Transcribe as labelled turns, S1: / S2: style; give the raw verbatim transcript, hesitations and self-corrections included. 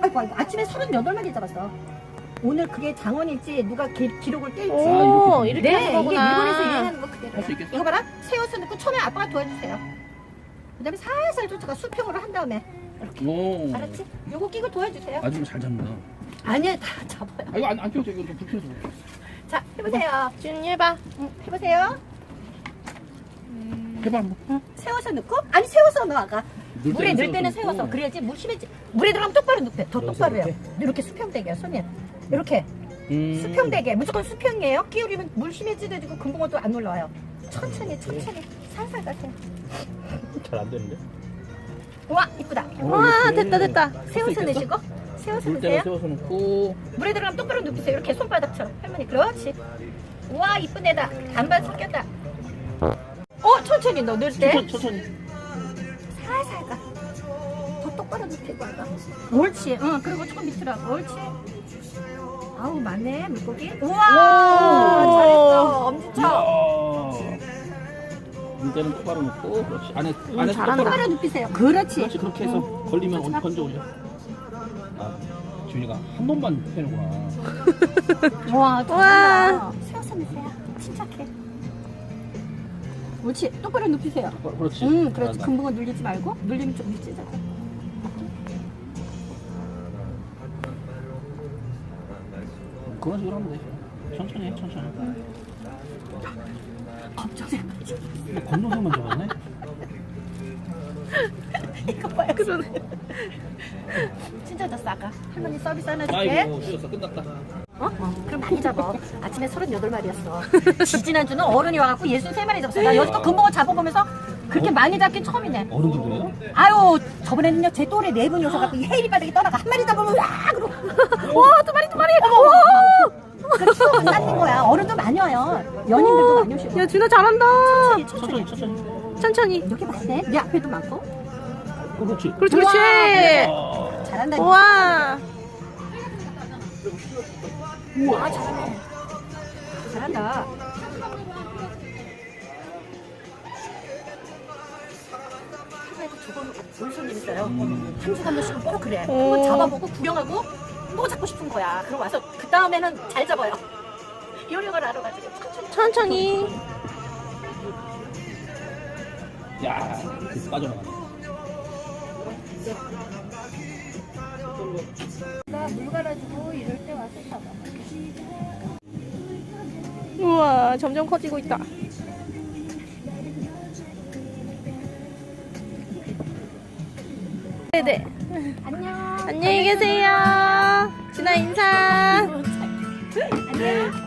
S1: 아이고, 아이고. 아침에 서른여덟 마리 잡았어. 오늘 그게 장원일지 누가 기, 기록을 깰지.
S2: 오, 이렇게
S1: 네,
S2: 하는 거구나.
S1: 이게 일본에서 유행하는 거 그대로.
S3: 할 수 있겠어?
S1: 이거 봐라. 세워서 넣고 처음에 아빠가 도와주세요. 그 다음에 살살 쫓아가 수평으로 한 다음에.
S3: 오.
S1: 알았지? 요거 끼고 도와주세요.
S3: 아줌마 잘 잡는다.
S1: 아니야, 다 잡아요.
S3: 아, 이거 안, 안 펴도 이거 좀 불편해서.
S1: 자, 해보세요.
S2: 준 해봐.
S1: 응, 해보세요.
S3: 해봐, 한번.
S1: 세워서 넣고, 아니, 세워서 넣어, 아가.
S3: 넣을
S1: 물에
S3: 때는
S1: 넣을 때는
S3: 세워서
S1: 세워서.
S3: 넣고.
S1: 그래야지 물 심해지. 물에 들어가면 똑바로 넣게. 더
S3: 여기서
S1: 똑바로 해요.
S3: 이렇게?
S1: 이렇게 수평되게, 손님. 이렇게.
S3: 음.
S1: 수평되게. 무조건 수평이에요. 끼우리면 물 심해지고 금붕어도 안 올라와요. 천천히, 천천히. 살살 가세요.
S3: 잘안 되는데?
S1: 와, 이쁘다.
S2: 와, 됐다, 됐다.
S1: 세워서 넣으시고, 세워서
S3: 물 때는
S1: 넣으세요.
S3: 세워서 놓고.
S1: 물에 들어가면 똑바로 눕히세요. 이렇게 손바닥처럼. 할머니, 그렇지. 와, 이쁜 애다. 반반 섞였다. 어, 천천히 너 넣을 때.
S3: 천천히, 천천히.
S1: 살살 가. 더 똑바로 눕히고 하가. 옳지. 응, 그리고 조금 밑으로 하고. 옳지. 아우, 많네, 물고기. 우와,
S2: 오.
S1: 잘했어. 엄지척.
S3: 이야. 물 때는 똑바로 놓고. 그렇지. 안에, 안에
S2: 잘한다.
S1: 똑바로 눕히세요. 그렇지.
S3: 그렇지, 그렇게 해서 걸리면 얹- 건져 올려. 아, 지훈이가 한 번만 해놓구나.
S1: 와,
S2: 와.
S1: 잘한다. 세워서 넣으세요. 침착해. 옳지. 똑바로 눕히세요.
S3: 어, 그렇지.
S1: 응, 그렇지.
S3: 잘한다.
S1: 금붕어 눌리지 말고. 눌리면 좀 미치잖아.
S3: 그런 식으로 하면 되죠. 천천히 해, 천천히.
S1: 검정색.
S3: 뭐 검정색만 잡았네?
S1: 이거 봐요. 그러네. 진짜 더 싸가. 할머니 서비스 하나 줄게.
S3: 아이고, 쉬었어. 끝났다.
S1: 어? 어? 그럼 많이 잡아. 아침에 서른여덟 마리였어. 지지난주는 어른이 와갖고 예순세 마리 잡았어. 나 여기서 금붕어 잡아보면서 그렇게 많이 잡긴 처음이네.
S3: 어른들도요?
S1: 아유, 저번에는요, 제 또래 네 분이 오셔갖고 이 헤이리 바닥에 떠나가 한 마리 잡으면 와! 그러고. 와, 두 마리, 두 마리! 와! 그 추억을 쌓는 거야. 어른도 많이 와요. 연인들도 많이 오시고.
S2: 야, 준아 잘한다.
S1: 천천히,
S3: 천천히,
S1: 천천히.
S3: 천천히.
S2: 천천히.
S1: 여기 많네. 내 앞에도 많고.
S3: 어, 그렇지.
S2: 그렇지,
S1: 우와,
S2: 그렇지.
S3: 아,
S1: 잘한다.
S2: 우와.
S1: 우와, 잘하네. 잘한다. 하루에도 두 번 올 손님 있어요.
S3: 음.
S1: 한 주간 한 번씩은 꼭 그래.
S2: 오.
S1: 한번 잡아보고 구경하고 또 잡고 싶은 거야. 그러고 와서 그 다음에는 잘 잡아요. 요령을 알아가지고 천천히.
S2: 천천히.
S3: 야, 그 빠져나가네.
S1: 나물 갈아주고 이럴 때 와서 잡아.
S2: 우와, 점점 커지고 있다. 네네.
S1: 안녕.
S2: 안녕히 계세요. 준아 인사.
S1: 안녕.